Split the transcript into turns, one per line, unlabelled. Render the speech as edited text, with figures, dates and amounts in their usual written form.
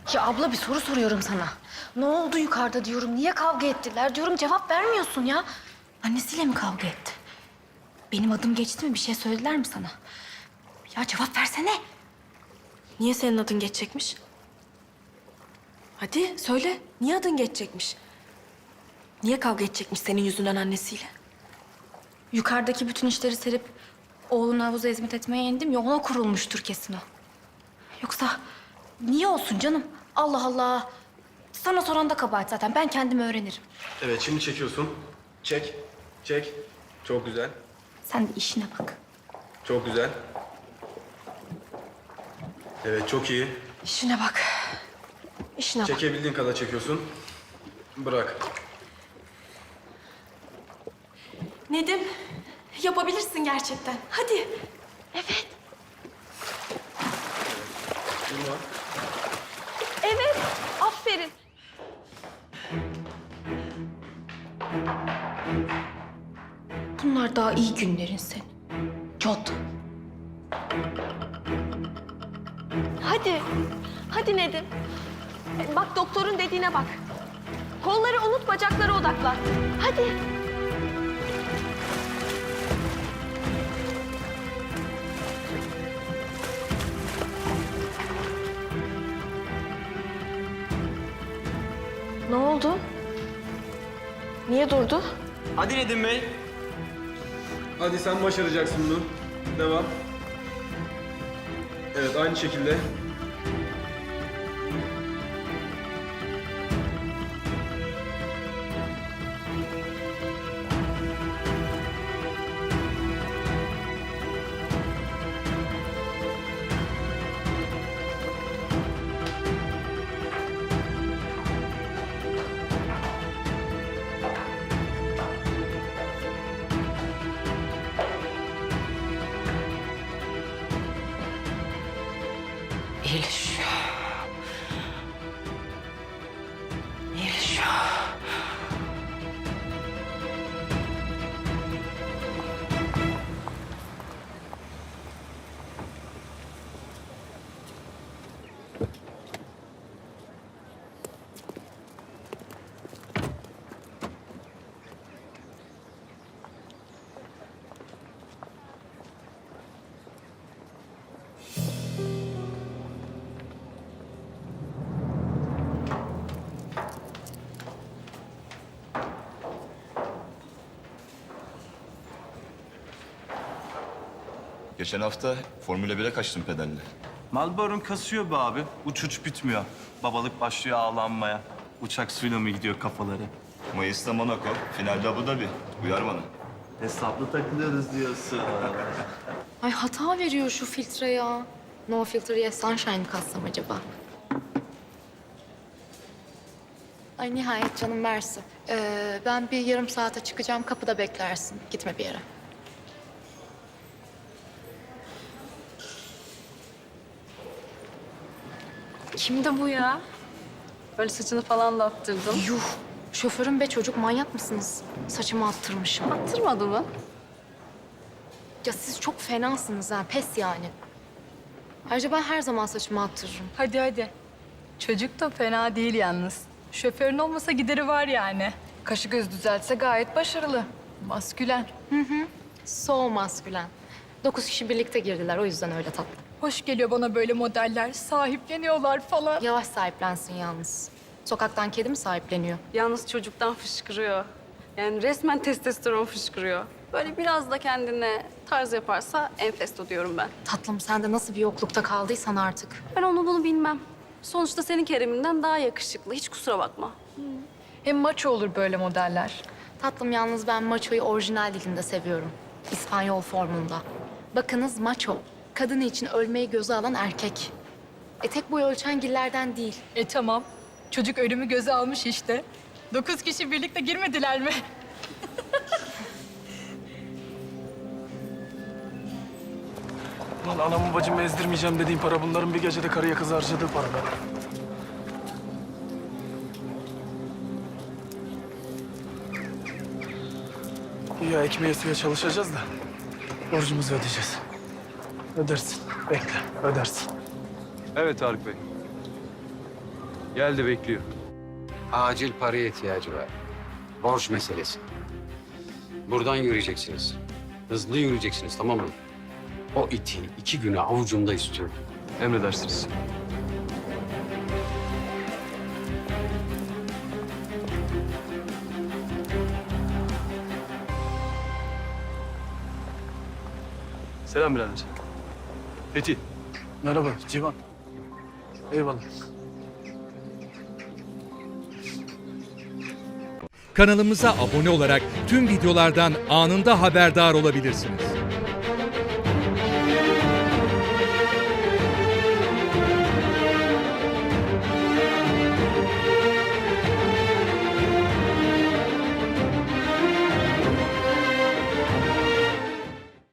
Ya abla bir soru soruyorum sana. Ne oldu yukarıda diyorum, niye kavga ettiler diyorum, cevap vermiyorsun ya. Annesiyle mi kavga etti? Benim adım geçti mi, bir şey söylediler mi sana? Ya cevap versene.
Niye senin adın geçecekmiş? Hadi söyle. Niye adın geçecekmiş? Niye kavga edecekmiş senin yüzünden annesiyle?
Yukarıdaki bütün işleri serip oğlunu havuza hizmet etmeye indim ya, ona kurulmuştur kesin o. Yoksa niye olsun canım? Allah Allah. Sana soran da kabahat zaten. Ben kendim öğrenirim.
Evet, şimdi çekiyorsun. Çek, çek. Çok güzel,
Sen de işine bak.
çok güzel. Evet, çok iyi.
İşine bak. İşine bak.
Çekebildiğin kadar çekiyorsun. Bırak.
Nedim, yapabilirsin gerçekten. Hadi. Evet.
Durma.
Evet. Aferin.
Bunlar daha iyi günlerin senin. Cod.
Hadi. Hadi Nedim. Bak doktorun dediğine bak. Kolları unut, bacaklara odaklan. Hadi. Ne oldu? Niye durdu?
Hadi Nedim Bey.
Hadi sen başaracaksın bunu. Devam. Evet, aynı şekilde.
İyileşiyor. İyileşiyor.
Geçen hafta Formula 1'e kaçtım pedalle.
Malboro'nun kasıyor be abi. Uç bitmiyor. Babalık başlıyor ağlanmaya. Uçak suyla mı gidiyor kafaları?
Mayıs'ta Monaco, finalde Abu Dhabi. Uyar bana.
Hesaplı takılıyoruz diyorsun.
Ay hata veriyor şu filtre ya. No filtre yes sunshine mı katsam acaba? Ay nihayet canım versin. Ben bir yarım saate çıkacağım. Kapıda beklersin. Gitme bir yere.
Kimdi bu ya? Böyle saçını falan da attırdın.
Yuh. Şoförüm be çocuk, manyak mısınız? Saçımı attırmışım.
Attırmadı mı?
Ya siz çok fenasınız ha. Pes yani. Ayrıca ben her zaman saçımı attırırım.
Hadi hadi. Çocuk da fena değil yalnız. Şoförün olmasa gideri var yani. Kaşı göz düzeltse gayet başarılı. Maskülen.
So maskülen. 9 kişi birlikte girdiler, o yüzden öyle tatlı.
Hoş geliyor bana böyle modeller. Sahipleniyorlar falan.
Yavaş sahiplensin yalnız. Sokaktan kedi mi sahipleniyor?
Yalnız çocuktan fışkırıyor. Yani resmen testosteron fışkırıyor. Böyle biraz da kendine tarz yaparsa enfesto diyorum ben.
Tatlım sen de nasıl bir yoklukta kaldıysan artık.
Ben onu bunu bilmem. Sonuçta senin Kerem'inden daha yakışıklı. Hiç kusura bakma.
Hem maço olur böyle modeller.
Tatlım yalnız ben maçoyu orijinal dilinde seviyorum. İspanyol formunda. Bakınız maço. Kadını için ölmeyi göze alan erkek. Tek boy ölçen gillerden değil.
Tamam. Çocuk ölümü göze almış işte. 9 kişi birlikte girmediler mi?
Lan anamı bacımı ezdirmeyeceğim dediğim para bunların bir gecede karıya kız harcadığı para be. Ya ekmeğe suya çalışacağız da borcumuzu ödeyeceğiz. Ödersin. Bekle, ödersin.
Evet Tarık Bey. Geldi bekliyor.
Acil paraya ihtiyacı var. Borç meselesi. Buradan yürüyeceksiniz. Hızlı yürüyeceksiniz, tamam mı? O iti 2 güne avucumda istiyorum.
Emredersiniz. Selam birader. Fethi.
Merhaba Civan. Eyvallah.
Kanalımıza abone olarak tüm videolardan anında haberdar olabilirsiniz.